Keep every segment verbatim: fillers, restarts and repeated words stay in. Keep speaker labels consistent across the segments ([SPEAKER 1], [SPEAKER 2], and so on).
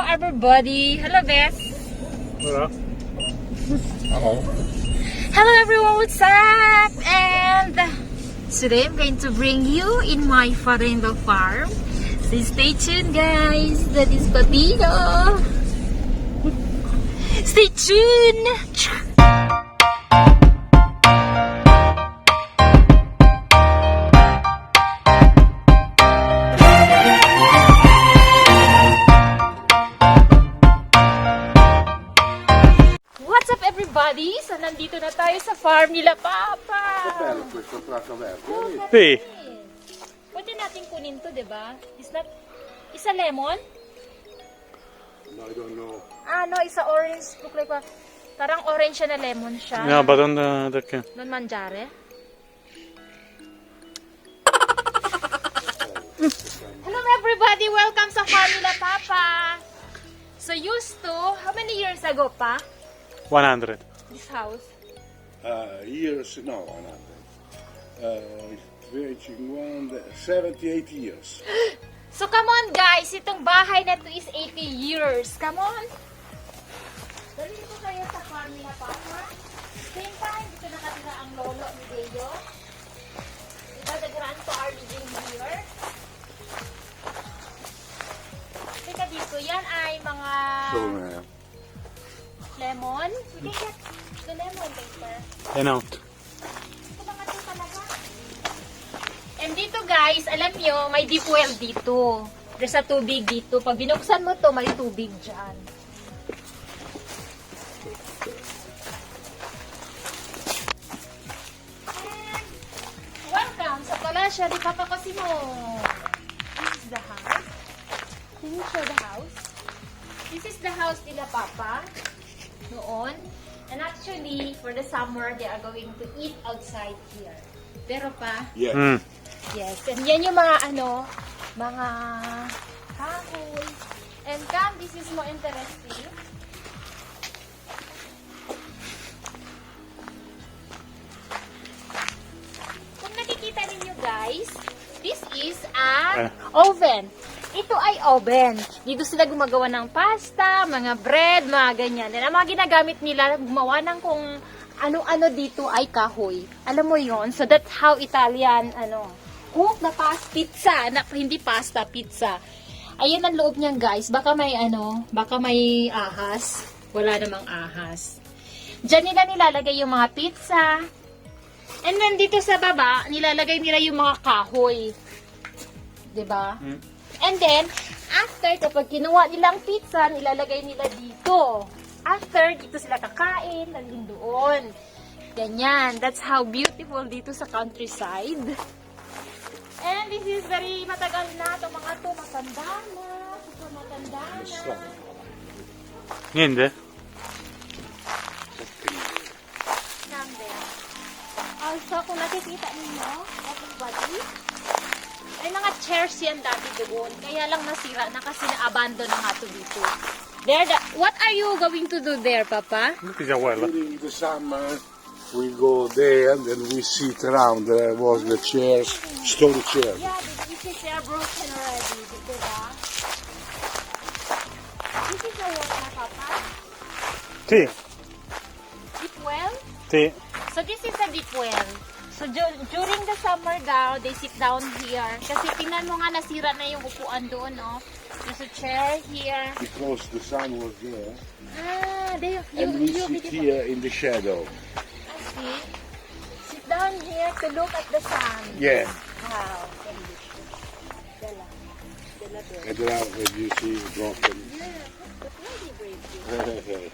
[SPEAKER 1] everybody. Hello, Beth.
[SPEAKER 2] Hello.
[SPEAKER 3] Hello.
[SPEAKER 1] Hello, everyone. What's up? And today I'm going to bring you in my father-in-law farm. So stay tuned, guys. That is Patino. Stay tuned. What's up, everybody? So nandito na tayo sa farm nila, Papa.
[SPEAKER 3] Bello questo prato verde.
[SPEAKER 2] Sì.
[SPEAKER 1] Pwede natin kunin to, diba? Is that, isa lemon?
[SPEAKER 3] No, I don't know.
[SPEAKER 1] Ah, no, isa orange. Look like, a- parang orange siya na lemon siya.
[SPEAKER 2] No, but on the, the can.
[SPEAKER 1] Non mangiare. Hello, everybody. Welcome sa farm nila, Papa. So used to, how many years ago, pa?
[SPEAKER 2] one hundred.
[SPEAKER 1] This house?
[SPEAKER 3] Uh, years, no, nothing. Uh, twenty-one, seventy-eight years.
[SPEAKER 1] So come on, guys. Itong bahay na to is eighty years. Come on. Dali ko kayo sa farm nila, Papa. Same time, dito nakatira ang lolo ni Deo. Diba, the grandpa are living here. Teka dito, yan ay mga
[SPEAKER 3] So, uh,
[SPEAKER 1] lemon. We can get the lemon later.
[SPEAKER 2] And out.
[SPEAKER 1] Ito mga ito talaga. And dito, guys, alam nyo, may deep well dito. There's a tubig dito. Pag binuksan mo to, may tubig dyan. And welcome sa Palasya di Papa Cosimo. This is the house. Can you show the house? This is the house nila, Papa. Noon. And actually, for the summer, they are going to eat outside here. Pero pa,
[SPEAKER 3] yeah.
[SPEAKER 2] Mm.
[SPEAKER 1] yes. And yan yung mga ano, mga kahoy. And come, this is more interesting. Kung nakikita ninyo, guys, this is a
[SPEAKER 2] Eh.
[SPEAKER 1] oven. Ito ay oven. Dito sila gumagawa ng pasta, mga bread, mga ganyan. And ang mga ginagamit nila, gumawa ng kung ano-ano dito ay kahoy. Alam mo yon? So that's how Italian, ano, cook na pasta, pizza, na, hindi pasta, pizza. Ayan ang loob niyan, guys. Baka may ano, baka may ahas. Wala namang ahas. Diyan nila nilalagay yung mga pizza. And then dito sa baba, nilalagay nila yung mga kahoy. 'Di ba?
[SPEAKER 2] Mm.
[SPEAKER 1] And then, after, kapag kinuha nilang pizza, nilalagay nila dito. After, dito sila kakain, nandun doon. Ganyan. That's how beautiful dito sa countryside. And this is very matagal na. Itong mga to, matanda na. Ito, matanda na.
[SPEAKER 2] Niente?
[SPEAKER 1] Number. Also, kung nakikita ninyo, everybody, may mga chairs yan dati doon. Kaya lang nasira na kasi na-abandon na nga to dito. There, the, what are you going to do there, Papa?
[SPEAKER 2] Look at well.
[SPEAKER 3] During the summer, we go there and then we sit around. There was the chairs, stone chairs.
[SPEAKER 1] Yeah, this is uh, broken already, diba? This is a what na, Papa?
[SPEAKER 2] Sì,
[SPEAKER 1] Deep well?
[SPEAKER 2] sì.
[SPEAKER 1] So this is a deep well. So dur- during the summer daw, they sit down here. Kasi tingnan mo nga, nasira na yung upuan doon, no? There's a chair here.
[SPEAKER 3] Because the sun was there.
[SPEAKER 1] Ah, they, you,
[SPEAKER 3] And we
[SPEAKER 1] you,
[SPEAKER 3] sit
[SPEAKER 1] you,
[SPEAKER 3] here in the shadow.
[SPEAKER 1] I see. Sit down here to look at the sun.
[SPEAKER 3] Yeah.
[SPEAKER 1] Wow. Delicious. Dala. Dala doon.
[SPEAKER 3] And around, as you see, broken.
[SPEAKER 1] Yeah, but really brave.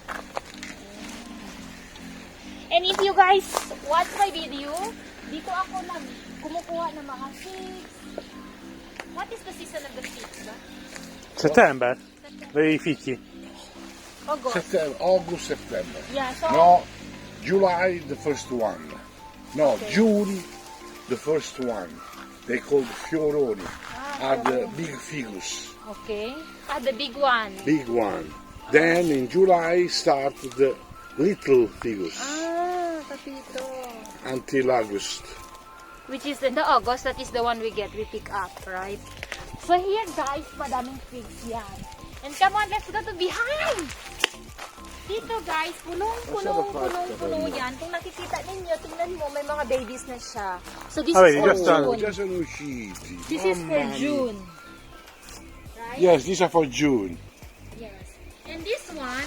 [SPEAKER 1] And if you guys watch my video, dito ako nag kumukuha ng mga figs. What is the season of the figs, ba?
[SPEAKER 2] Settembre? Dei fichi.
[SPEAKER 1] August.
[SPEAKER 3] September, August, September.
[SPEAKER 1] Yeah, so
[SPEAKER 3] No, July, the first one. No,
[SPEAKER 1] Okay.
[SPEAKER 3] June, the first one. They called fioroni.
[SPEAKER 1] Ah,
[SPEAKER 3] Are the big figus,
[SPEAKER 1] okay. Ah, the big one.
[SPEAKER 3] big one. Then in July start the little figus
[SPEAKER 1] Ah, kapito.
[SPEAKER 3] until August.
[SPEAKER 1] Which is in the August, that is the one we get, we pick up, right? So here guys, madaming figs yan. And come on, let's go to behind. Dito guys, punong, punong, punong, punong yan. Kung nakikita ninyo, tingnan mo, may mga babies na siya. So this
[SPEAKER 2] Ah,
[SPEAKER 1] is
[SPEAKER 2] vedi,
[SPEAKER 1] for
[SPEAKER 2] già stanno.
[SPEAKER 1] June.
[SPEAKER 3] Già sono usciti.
[SPEAKER 1] This is for
[SPEAKER 3] Mamma mia.
[SPEAKER 1] June. Right?
[SPEAKER 3] Yes, these are for June.
[SPEAKER 1] Yes. And this one,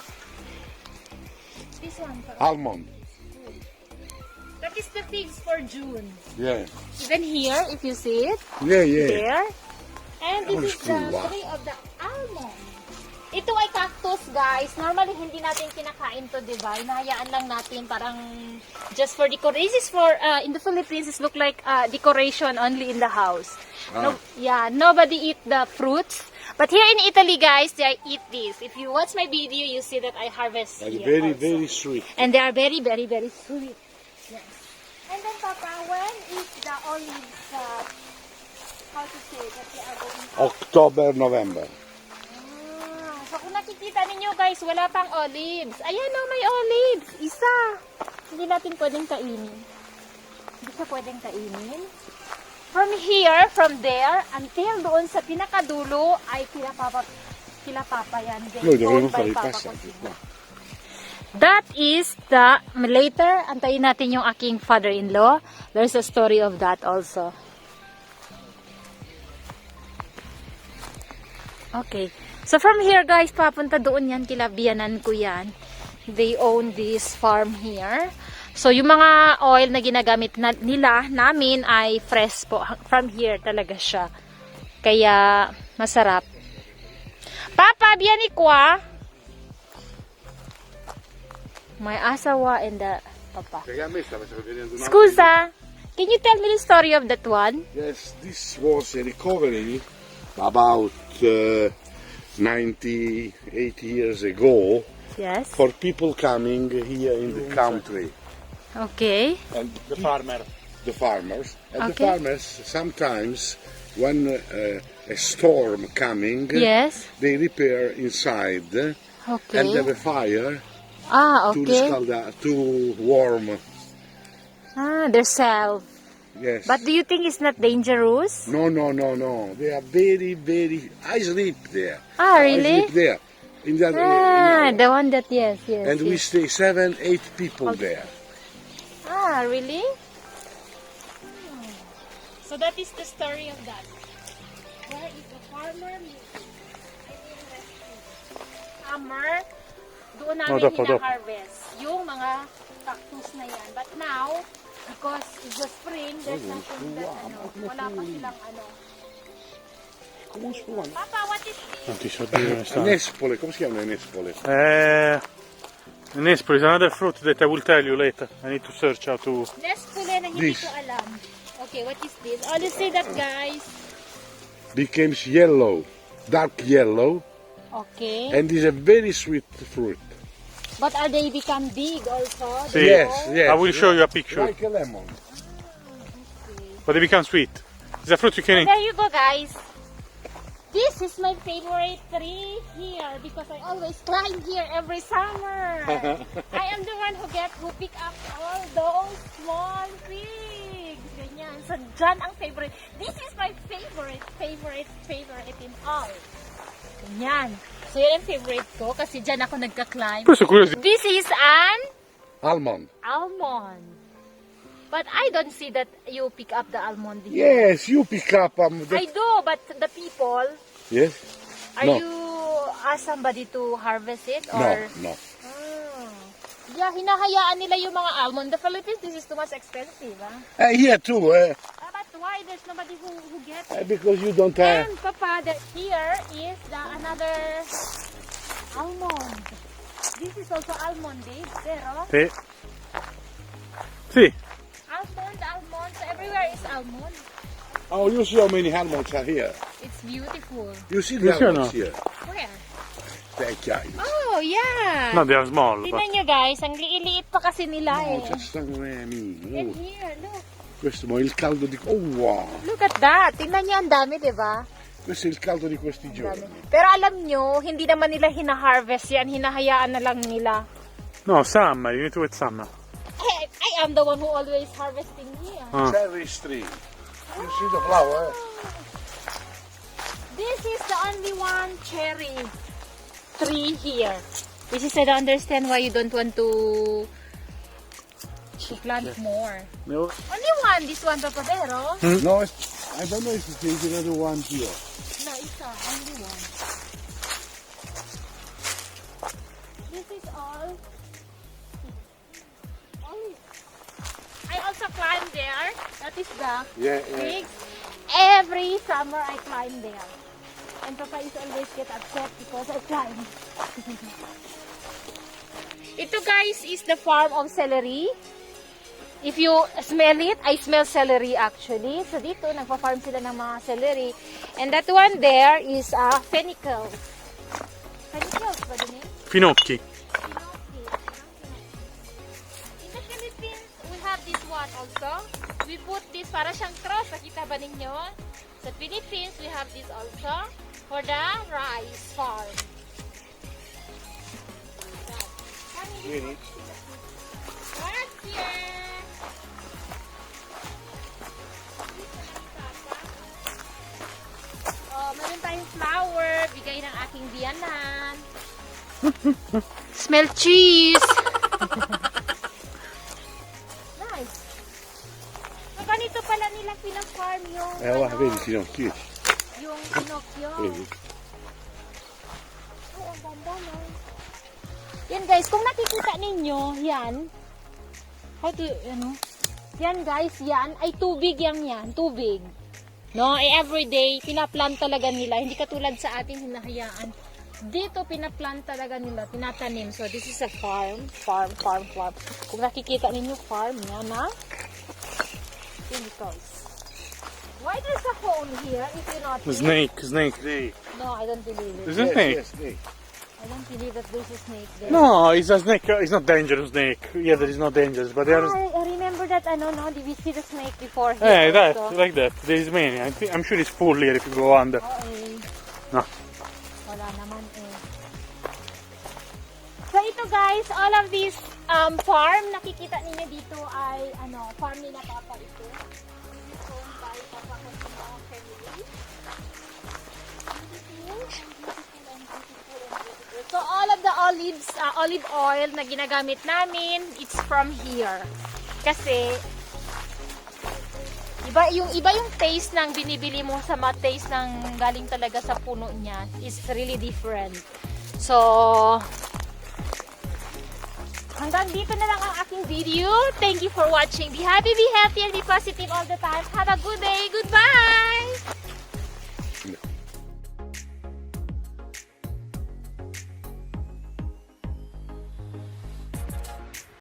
[SPEAKER 1] this one,
[SPEAKER 3] Almond.
[SPEAKER 1] that is the figs for June.
[SPEAKER 3] Yeah.
[SPEAKER 1] Even here, if you see it,
[SPEAKER 3] Yeah, yeah.
[SPEAKER 1] there. And this
[SPEAKER 3] Oh,
[SPEAKER 1] is the
[SPEAKER 3] wow.
[SPEAKER 1] tree of the almond. Ito ay cactus, guys. Normally, hindi natin kinakain to, di ba? Hinahayaan lang natin parang just for decoration. This is for, uh, in the Philippines, it look like uh, decoration only in the house. No, yeah, nobody eat the fruits. But here in Italy, guys, they eat this. If you watch my video, you see that I harvest
[SPEAKER 3] And
[SPEAKER 1] here
[SPEAKER 3] very,
[SPEAKER 1] also.
[SPEAKER 3] very sweet.
[SPEAKER 1] And they are very, very, very sweet. Yes. And then, Papa, when is the olives, uh, how to say that they are going out?
[SPEAKER 3] October, November.
[SPEAKER 1] Ah, so kung nakikita ninyo guys, wala pang olives. Ayan o, may olives. Isa. Hindi natin pwedeng kainin. Hindi siya pwedeng kainin. From here, from there, until doon sa pinakadulo, ay kila papa, kila papa yan. Then,
[SPEAKER 3] Noi dovremmo
[SPEAKER 1] owned by
[SPEAKER 3] fare i
[SPEAKER 1] Papa
[SPEAKER 3] passaggi
[SPEAKER 1] Cosimo.
[SPEAKER 3] qua.
[SPEAKER 1] That is the, later, antayin natin yung aking father-in-law. There's a story of that also. Okay. So from here guys, papunta doon yan, kila biyanan ko yan. They own this farm here. So yung mga oil na ginagamit na, nila, namin ay fresh po. From here talaga siya. Kaya masarap. Papa, biyani ko ah. My asawa and the papa.
[SPEAKER 3] Perché a me stava vedendo una-
[SPEAKER 1] Scusa, can you tell me the story of that one?
[SPEAKER 3] Yes, this was a recovery about uh, ninety-eight years ago
[SPEAKER 1] Yes.
[SPEAKER 3] for people coming here in the country.
[SPEAKER 1] Okay.
[SPEAKER 3] And
[SPEAKER 2] The farmer.
[SPEAKER 3] the farmers. And the
[SPEAKER 1] Okay.
[SPEAKER 3] farmers sometimes, when uh, a storm coming,
[SPEAKER 1] Yes.
[SPEAKER 3] they repair inside and
[SPEAKER 1] Okay.
[SPEAKER 3] have a fire
[SPEAKER 1] Ah,
[SPEAKER 3] to
[SPEAKER 1] okay.
[SPEAKER 3] riscaldare, to warm.
[SPEAKER 1] Ah, they're self.
[SPEAKER 3] Yes.
[SPEAKER 1] But do you think it's not dangerous?
[SPEAKER 3] No, no, no, no. They are very, very. I sleep there.
[SPEAKER 1] Ah,
[SPEAKER 3] I
[SPEAKER 1] really?
[SPEAKER 3] sleep there. In that,
[SPEAKER 1] Ah,
[SPEAKER 3] in
[SPEAKER 1] the one that, yes, yes.
[SPEAKER 3] and we
[SPEAKER 1] yes.
[SPEAKER 3] stay seven, eight people there.
[SPEAKER 1] Ah, really? Hmm. So that is the story of that. Where is the farmer living? I mean, farmer, doon namin
[SPEAKER 2] Oh, dapat, dapat.
[SPEAKER 1] hina-harvest yung mga cactus na yan. But now, because it's the spring, there's nothing that, ano, wala pa silang, ano. Papa, what is this?
[SPEAKER 2] Non ti so dire dove stanno.
[SPEAKER 3] Nespole, come si chiama Nespole?
[SPEAKER 2] Eh, Nespoli is another fruit that I will tell you later. I need to search how to.
[SPEAKER 1] Nespole na hindi
[SPEAKER 3] This.
[SPEAKER 1] ko alam. Okay, what is this? Oh, let's see that, guys.
[SPEAKER 3] Becomes yellow, dark yellow,
[SPEAKER 1] Okay.
[SPEAKER 3] and is a very sweet fruit.
[SPEAKER 1] But are they become big also?
[SPEAKER 2] See,
[SPEAKER 3] Yes, yes.
[SPEAKER 2] I will show you a picture.
[SPEAKER 3] Like a lemon.
[SPEAKER 2] But they become sweet. It's a fruit you can eat.
[SPEAKER 1] There you go, guys. This is my favorite tree here because I always climb here every summer. I am the one who get who pick up all those small figs. Ganyan. So, dyan ang favorite. This is my favorite, favorite, favorite in all. Ganyan. So, yan ang favorite ko kasi dyan ako nagka-climb.
[SPEAKER 2] Poi sono curioso.
[SPEAKER 1] This is an
[SPEAKER 3] Almond.
[SPEAKER 1] almond. But I don't see that you pick up the almond here.
[SPEAKER 3] Yes, you pick up um,
[SPEAKER 1] I
[SPEAKER 3] the,
[SPEAKER 1] do, but the people,
[SPEAKER 3] yes.
[SPEAKER 1] are
[SPEAKER 3] No.
[SPEAKER 1] you ask somebody to harvest it?
[SPEAKER 3] No,
[SPEAKER 1] Or?
[SPEAKER 3] no.
[SPEAKER 1] Ah. Yeah, hinahayaan nila yung mga almond. The Philippines, this is too much expensive. Ah?
[SPEAKER 3] Uh, here too, uh,
[SPEAKER 1] Ah, but why there's nobody who, who gets
[SPEAKER 3] uh,
[SPEAKER 1] it?
[SPEAKER 3] because you don't have.
[SPEAKER 1] And Papa, the, here is the another almond. This is also almond, babe. Pero
[SPEAKER 2] Sì. Sì.
[SPEAKER 1] almond, almond. So everywhere is almond.
[SPEAKER 3] Oh, you see how many almonds are here.
[SPEAKER 1] It's beautiful.
[SPEAKER 3] You see the
[SPEAKER 2] You see or
[SPEAKER 3] almonds
[SPEAKER 2] no?
[SPEAKER 3] here.
[SPEAKER 1] Where?
[SPEAKER 3] Thank you.
[SPEAKER 1] Oh, yeah.
[SPEAKER 2] No, they are small. But
[SPEAKER 1] Tingnan nyo guys, ang liit pa kasi nila
[SPEAKER 3] No,
[SPEAKER 1] eh.
[SPEAKER 3] c'è stanno eh,
[SPEAKER 1] And
[SPEAKER 3] amici.
[SPEAKER 1] here, look.
[SPEAKER 3] Questo è il caldo di. Oh wow!
[SPEAKER 1] Look at that. Tingnan nyo, ang dami, di ba?
[SPEAKER 3] Questo è il caldo di questi
[SPEAKER 1] Ang
[SPEAKER 3] giorni.
[SPEAKER 1] dami. Pero alam nyo, hindi naman nila hina-harvest yan. Hinahayaan na lang nila.
[SPEAKER 2] no, summer. You need to wait summer.
[SPEAKER 1] I, I am the one who always harvesting here.
[SPEAKER 2] Ah.
[SPEAKER 3] Cherry tree. You see the flower? Eh?
[SPEAKER 1] This is the only one cherry tree here. Which is I don't understand why you don't want to to plant more.
[SPEAKER 2] No.
[SPEAKER 1] Only one, this one, Papadero.
[SPEAKER 3] No, it's, I don't know if there's another one here.
[SPEAKER 1] No, it's not. Only one. This is all. Only. I also climb there. That is the
[SPEAKER 3] Yeah, yeah.
[SPEAKER 1] big. Every summer I climb there. And Papa is always get upset because I climb. Ito guys is the farm of celery. If you smell it, I smell celery actually. So dito, nagpa-farm sila ng mga celery. And that one there is a uh, fennicle. Fennicles ba din eh?
[SPEAKER 2] Finocchi.
[SPEAKER 1] Pinocchio. In the Philippines, we have this one also. We put this para siyang cross. Nakita ba ninyo? Sa Philippines, we have this also for the rice farm.
[SPEAKER 3] Really?
[SPEAKER 1] Grazie! Oh, meron tayong flower. Bigay ng aking biyanan. Smell cheese! Nice. So, ganito pala nila pina-farm yung,
[SPEAKER 3] Eh, guarda,
[SPEAKER 1] ano,
[SPEAKER 3] vedi Pinocchio.
[SPEAKER 1] yung Pinocchio.
[SPEAKER 3] Vedi?
[SPEAKER 1] Oh, ang ganda, no? Yan guys, kung nakikita ninyo, yan. How to, ano? Yan guys, yan ay tubig yan yan. Tubig. No, eh, everyday, pinaplant talaga nila. Hindi katulad sa atin, hinahayaan. Dito, pinaplant talaga nila. Tinatanim. So, this is a farm. Farm, farm, farm. Kung nakikita ninyo, farm. Yan, ha? Chemicals. Why there's a phone here if you're not...
[SPEAKER 2] Snake, snake.
[SPEAKER 1] No, I don't believe it.
[SPEAKER 2] There's a snake.
[SPEAKER 3] Yes, yes.
[SPEAKER 1] I don't believe that there's a snake there.
[SPEAKER 2] No, it's a snake. It's not dangerous snake. Yeah, that is not dangerous, but there is.
[SPEAKER 1] I, I remember that, ano, no? Did we see the snake before here?
[SPEAKER 2] Eh, that,
[SPEAKER 1] also?
[SPEAKER 2] like that. There is many. I think, I'm sure it's full here if you go under.
[SPEAKER 1] Oo, eh.
[SPEAKER 2] No.
[SPEAKER 1] Wala naman eh. So ito guys, all of these um, farm, nakikita ninyo dito ay ano, farm ni na Papa ito. This is owned by Papa Cosimo family. Beautiful, beautiful and beautiful and beautiful. So all of the olives, uh, olive oil na ginagamit namin, it's from here. Kasi iba yung iba yung taste ng binibili mo sa mga taste ng galing talaga sa puno niya is really different. So hanggang dito na lang ang aking video. Thank you for watching. Be happy, be healthy, and be positive all the time. Have a good day. Goodbye!